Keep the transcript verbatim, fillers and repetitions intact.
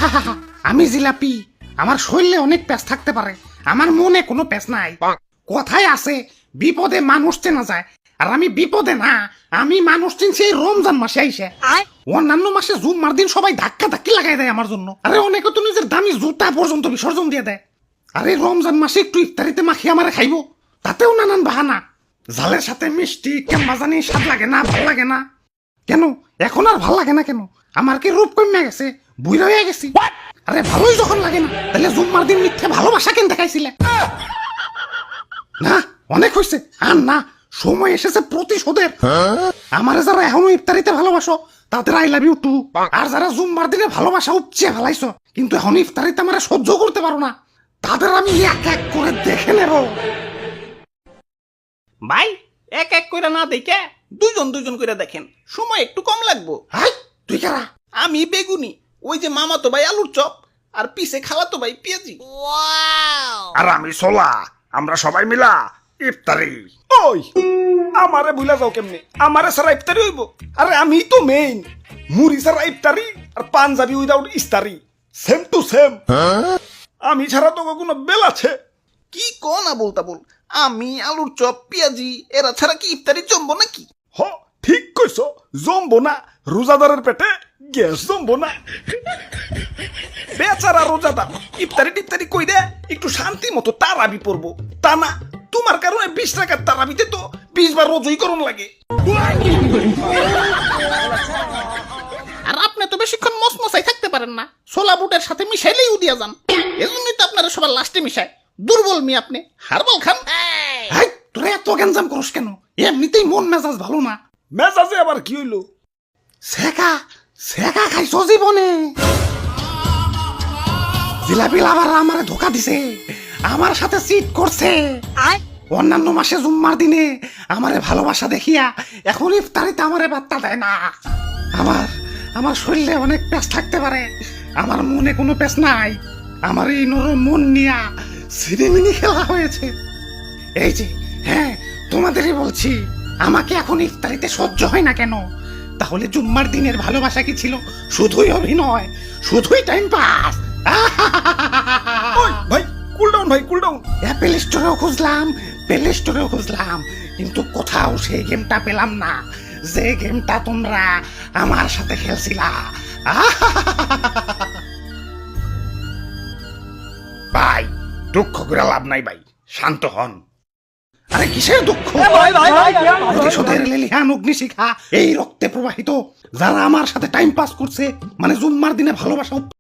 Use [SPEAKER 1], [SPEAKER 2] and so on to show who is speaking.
[SPEAKER 1] আমি জিলাপি, আমার শরীরে অনেক প্যাঁচ থাকতে পারে, আমার মনে কোনো প্যাঁচ নাই। কথায় আছে বিপদে মানুষ চেনা যায়, আর আমি বিপদে না, আমি মানুষ চিনছি এই রমজান মাসে আইসে। অন্যান্য মাসে জুম্মার দিন সবাই ধাক্কা ধাক্কি লাগাই দেয় আমার জন্য, আরে অনেকে তো নিজের দামি জুতা পর্যন্ত বিসর্জন দিয়ে দেয়। আরে রমজান মাসে একটু ইফতারিতে মাখিয়ে আমারে খাইবো, তাতেও নানান বাহানা। জালের সাথে মিষ্টি কেমন জানি স্বাদ লাগে না, ভাল লাগে না। কেন এখন আর ভাল লাগে না কেন? আমার কি রূপ কমে গেছে, বুড়া হয়ে গেছি? আরে ভালোই যখন লাগে না, তাহলে জুম্মার দিন মিথ্যে ভালোবাসা কেন দেখাইছিলে? না অনেক হয়েছে, আর না, সময় এসেছে প্রতিশোধের। আমারে যারা এখনো ইফতারিতে ভালোবাসো তাদের আই লাভ ইউ টু, আর যারা জুম্মার দিনে ভালোবাসা উপচে ফেলাইছো কিন্তু এখন ইফতারিতে আমারে সহ্য করতে পারো না, তাদের আমি এক এক করে দেখে নেব।
[SPEAKER 2] ভাই এক এক করে না দেখে দুজন দুজন করে দেখেন, সময় একটু কম লাগবো।
[SPEAKER 1] হাই তুই কারা?
[SPEAKER 2] আমি বেগুনি, ওই যে মামা তো ভাই আলুর চপ, আর পিছে খালা তো ভাই পেঁয়াজি।
[SPEAKER 3] আর আমি সোলা, আমরা সবাই মিলা ইফতারি।
[SPEAKER 4] ওই আমারে ভুলা যাও কেমনে? আমারে সারা ইফতারি হইব? আরে আমি তো মেইন, মুড়ি সারা ইফতারি আর পাঞ্জাবি উইদাউট ইস্তারি, সেম টু সেম। আমি ছাড়া তো কোনো বেল আছে?
[SPEAKER 2] কি কো না বলতা বল, আমি আলুর চপ পেঁয়াজি এরা ছাড়া কি ইফতারি জমবো নাকি?
[SPEAKER 4] হ ঠিক কইছ, জমবো না, রোজাদারের পেটে গ্যাস জমবো না। বেচারা রোজাদার ইফতারি টিফতারি কই দে একটু শান্তি মতো তারাবি পড়বো, তা না তোমার কারণে বিশ টাকার তারাবিতে তো বিশ বার রোজই করণ লাগে।
[SPEAKER 2] আর আপনি তো বেশিক্ষণ মসমসাই থাকতে পারেন না, ছোলা বুটের সাথে মিশাইলেই উদিয়া যান, এজন্যই তো আপনারা সবার লাস্টে মিশায়। দুর্বল মি আপনি, হারবাল খান।
[SPEAKER 1] হাই তোরা এত গ্যাঞ্জাম করস কেন? এমনিতেই মন মেজাজ ভালো না।
[SPEAKER 4] মেজাজে আবার কি হইলো?
[SPEAKER 1] সেকা সেকা খাইছো জীবনে? জিলাপি লাভার আমারে ধোকা দিছে, আমার সাথে চিট করছে। অন্যান্য মাসে জুম্মার দিনে আমারে ভালোবাসা দেখিয়া এখন ইফতারিতে আমারে বার্তা দেয় না। আমার আমার শরীরে অনেক প্যাঁচ থাকতে পারে, আমার মনে কোনো প্যাঁচ নাই। আমার এই নরম মন নিয়া সিনেমিনি খেলা হয়েছে। এই যে হ্যাঁ তোমাদেরই বলছি, আমাকে এখন ইফতারিতে সহ্য হয় না কেন? তাহলে জুম্মার দিনের ভালোবাসা কি ছিল শুধুই অভিনয়, শুধুই টাইম পাস?
[SPEAKER 4] ওই ভাই কুল ডাউন, ভাই কুল ডাউন।
[SPEAKER 1] অ্যাপেল স্টোরেও খুঁজলাম, প্লে স্টোরেও খুঁজলাম, কিন্তু কোথাও সেই গেমটা পেলাম না, যে গেমটা তোমরা আমার সাথে খেলছিলা।
[SPEAKER 3] ভাই দুঃখ করে লাভ নাই ভাই, শান্ত হন।
[SPEAKER 1] আরে কিসের দুঃখ? প্রতিশোধের লেলিহান অগ্নিশিখা এই রক্তে প্রবাহিত, যারা আমার সাথে টাইম পাস করছে, মানে জুম্মার দিনে ভালোবাসা